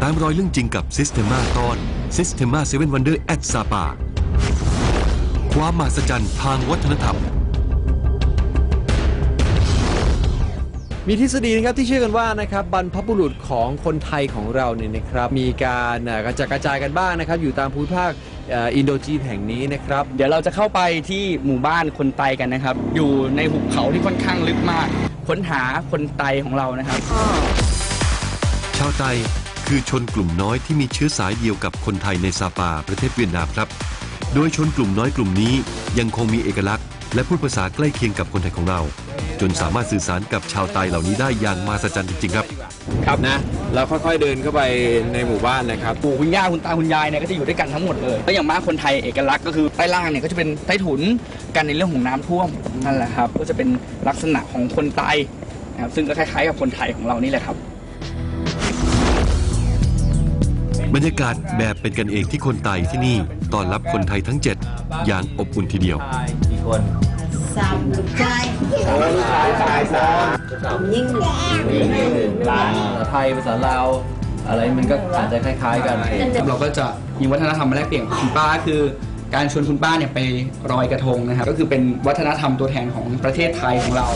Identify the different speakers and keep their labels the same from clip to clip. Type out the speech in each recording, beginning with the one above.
Speaker 1: ตามรอยเรื่องจริงกับ Systema ตอน Systema 7 Wonder at Sapa ความมหัศจรรย์ทางวัฒนธรรม
Speaker 2: มีทฤษฎีนะครับที่เชื่อกันว่านะครับบรรพบุรุษของคนไทยของเราเนี่ยนะครับมีการกระจายกันบ้างนะครับอยู่ตามภูมิภาคอินโดจีนแห่งนี้นะครับ
Speaker 3: เดี๋ยวเราจะเข้าไปที่หมู่บ้านคนไตกันนะครับอยู่ในหุบเขาที่ค่อนข้างลึกมากค้นหาคนไตของเรานะครับ
Speaker 1: ชาวไตคือชนกลุ่มน้อยที่มีเชื้อสายเดียวกับคนไทยในซาปาประเทศเวียดนามครับโดยชนกลุ่มน้อยกลุ่มนี้ยังคงมีเอกลักษณ์และพูดภาษาใกล้เคียงกับคนไทยของเราจนสามารถสื่อสารกับชาวไตเหล่านี้ได้อย่างมหัศจรรย์จริงๆครับ
Speaker 2: ครับนะเราค่อยๆเดินเข้าไปในหมู่บ้านนะครับ
Speaker 3: ปู่คุณย่าคุณตาคุณยายเนี่ยก็จะอยู่ด้วยกันทั้งหมดเลยแล้วอย่างมากคนไทยเอกลักษณ์ก็คือใต้ล่างเนี่ยก็จะเป็นใต้ถุนกันในเรื่องของน้ำท่วมนั่นแหละครับก็จะเป็นลักษณะของคนไตนะครับซึ่งก็คล้ายๆกับคนไทยของเรานี่แหละครับ
Speaker 1: บรรยากาศแบบเป็นกันเองที่คนไตที่นี่ต้อนรับคนไทยทั้ง7อย่างอบอุ่นทีเดียว
Speaker 4: กี่คน3 ลูกชาย
Speaker 3: ลูกชาย3
Speaker 4: ยิ่ง
Speaker 3: ภาษาไทยภาษาลาวอะไรมันก็อาจจะคล้ายๆกันเราก็จะมีวัฒนธรรมมาแลกเปลี่ยนคุณป้าคือการชวนคุณป้าเนี่ยไปลอยกระทงนะครับก็คือเป็นวัฒนธรรมตัวแทนของประเทศไทยของเรา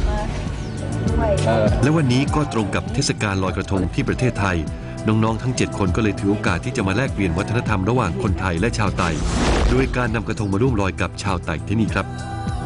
Speaker 1: และวันนี้ก็ตรงกับเทศกาลลอยกระทงที่ประเทศไทยน้องๆทั้ง7คนก็เลยถือโอกาสที่จะมาแลกเปลี่ยนวัฒนธรรมระหว่างคนไทยและชาวไตโดยการนำกระทงมาร่วมลอยกับชาวไตที่นี่ครับ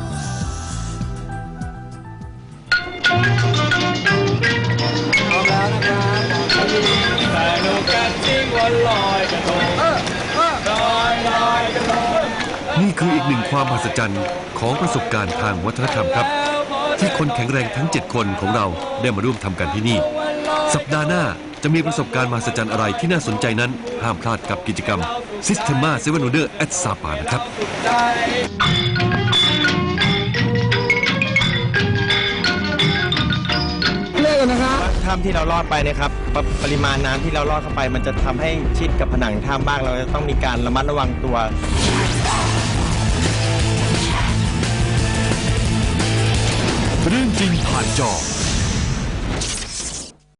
Speaker 1: นี่คืออีกหนึ่งความมหัศจรรย์ของประสบการณ์ทางวัฒนธรรมครับที่คนแข็งแรงทั้ง7คนของเราได้มาร่วมทำกันที่นี่สัปดาห์หน้าจะมีประสบการณ์มหัศจรรย์อะไรที่น่าสนใจนั้นห้ามพลาดกับกิจกรรม Systema 7 Wonder at Sapa นะครับ
Speaker 5: ถ้ำที่เราลอดไปนะครับปริมาณน้ำที่เราลอดเข้าไปมันจะทำให้ชิดกับผนังถ้ำบ้างเราจะต้องมีการระมัดระวังตัว
Speaker 1: เรื่องจริงผ่านจอ